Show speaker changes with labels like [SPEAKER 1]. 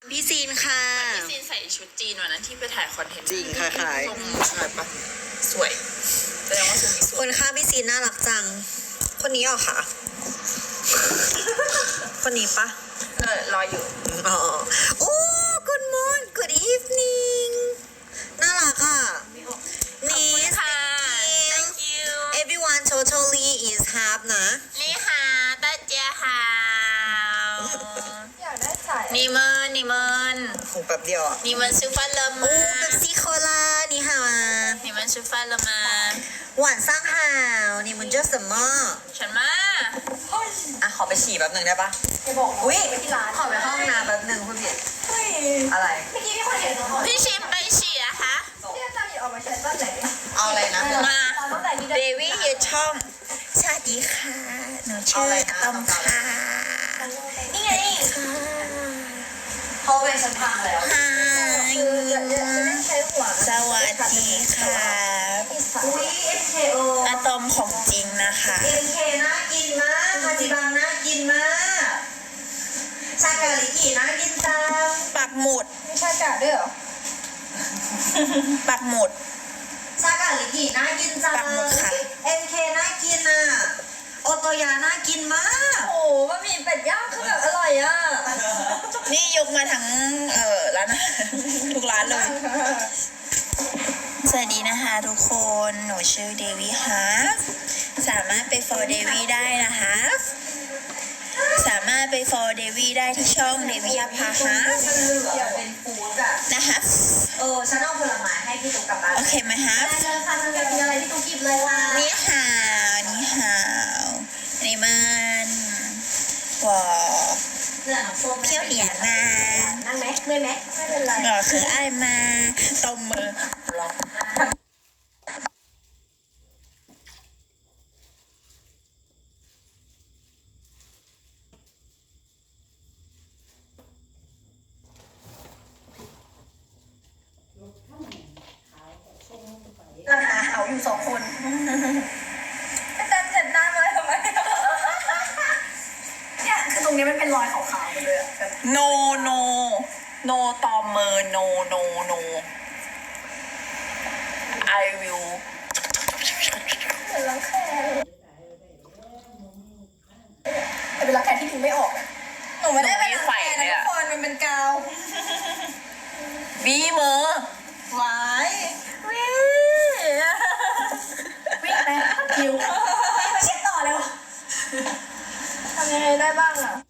[SPEAKER 1] พี่ซีนค่ะ
[SPEAKER 2] พี่ซีนใส่ชุดจีนวันนั้นที่ไปถ่ายคอนเทนต์
[SPEAKER 1] จริงค่ะขาย
[SPEAKER 2] ทรงสวยปะสวยแสดงว่าทรงนี้ส
[SPEAKER 1] ค
[SPEAKER 2] วย
[SPEAKER 1] นข้างพี่ซีนน่ารักจัง คนนี้เหรอคะคนนี้ปะ
[SPEAKER 2] รออยู่
[SPEAKER 1] อ๋อโอ้ good morning good evening น่ารักอ่ะ Nice
[SPEAKER 2] ค่ะ
[SPEAKER 1] thank
[SPEAKER 2] thank you
[SPEAKER 1] everyone totally is half นะ
[SPEAKER 2] นี่ค่ะ大家好
[SPEAKER 3] อยากได้สาย
[SPEAKER 2] 你们你们
[SPEAKER 1] คงแป๊บเดียวอ่ะ
[SPEAKER 2] 你们吃饭了吗
[SPEAKER 1] โอ้เป๊ปซี่โคลานี่ฮาวา
[SPEAKER 2] 你们吃饭了吗
[SPEAKER 1] หวานซ่างหาวนี่มันเจอสมอ
[SPEAKER 2] ฉันมา
[SPEAKER 3] เฮ้ย
[SPEAKER 1] อ่ะขอไปฉี่แป๊บหนึ่งได้ปะ
[SPEAKER 3] อย่าบอกนะ
[SPEAKER 1] อุ้ย
[SPEAKER 3] ไปที่ร้าน
[SPEAKER 1] ขอไปห้องน้ำแป๊บหนึ่งคุณพี่
[SPEAKER 3] เฮ้ย
[SPEAKER 1] อะไร
[SPEAKER 3] เมื่อกี้มีคนเห็นเหรอ
[SPEAKER 2] พี่ชิมไปฉี่อะคะ
[SPEAKER 3] ที่อาจารย์หยิบออกมาใช้ตอนไหน
[SPEAKER 1] เอาอะไรนะ
[SPEAKER 2] มา
[SPEAKER 3] ตอนตั้งแต่นี้
[SPEAKER 2] เดวี่ยืนช่อง
[SPEAKER 1] สวัสดีค่ะ หนูชื่ออะตอมค่ะ
[SPEAKER 3] นี่ไงเขาเป็นฉันพังแล้ว
[SPEAKER 1] ฮา
[SPEAKER 3] คือจะได้ใช้หัว
[SPEAKER 1] สวัสดีค่ะ
[SPEAKER 3] อุ้ย MKO
[SPEAKER 1] อะตอมของจริงนะคะ
[SPEAKER 3] MK น่ากินมากฮาจิบังน่ากินมากชากาลิกิน่ากินจัง
[SPEAKER 1] ปักหมุด
[SPEAKER 3] มีชากาด้วยเหรอ
[SPEAKER 1] ปักหมุด
[SPEAKER 3] ชากาลิกิน่ากินจัง
[SPEAKER 1] ปักหมุดค่ะ
[SPEAKER 3] MK น่ากินอ่ะโอโตยาน่ากินมากโอ้โหบะหมี่เป็ดย่างคือแบบอร่อยอ่ะ
[SPEAKER 1] นี่ยกมาทั้งร้านอาหารทุกร้านเลย สวัสดีนะคะทุกคน หนูชื่อเดวี่ฮาร์ฟสามารถไป for เดวี่ได้นะคะสามารถไป for เดวี่ได้ที่ช่องเดวี่อาภาฮาร์ฟ
[SPEAKER 3] มันเหลือเป็นฟู้ดอ่ะ
[SPEAKER 1] นะคะ
[SPEAKER 3] ฉันเอาผลไม้ให้พี่ตุ๊กกลับบ้าน
[SPEAKER 1] โอเคไหมฮาร์ฟ
[SPEAKER 3] ได้เลยค่ะฉันอยากกินอะไรพี่ตุ๊กกิบเลยค่ะ
[SPEAKER 1] นี่ฮาวนี่ฮาวนี่มันว้าว
[SPEAKER 3] เหลือน้ำส้ม
[SPEAKER 1] เที่ยวเหนียนมา
[SPEAKER 3] นั่งไหมเมื่อยไหมไม่เป็นไร
[SPEAKER 1] ก็คือไอ้ายมาตบมือล็อกราคาเอาอยู่สองคน
[SPEAKER 3] แต่เจ็บหน้าเลยทำไมเนี่ยคือตรงนี้มันเป็นรอยขาวๆไปเลยอะแบบ
[SPEAKER 1] no no no ตอมมือ no no no I will
[SPEAKER 3] เหมือนรังแคแต่เป็นรังแคที่ดึงไม่ออกอะหนูไม่ได้เป็นรังแคนะทุกคนมันเป็นกาว
[SPEAKER 1] บีมือ
[SPEAKER 3] หวายวิ่งวิ่งไปคิววิ่งไปเช็ดต่อเร็วทำยังไงได้บ้างอ่ะ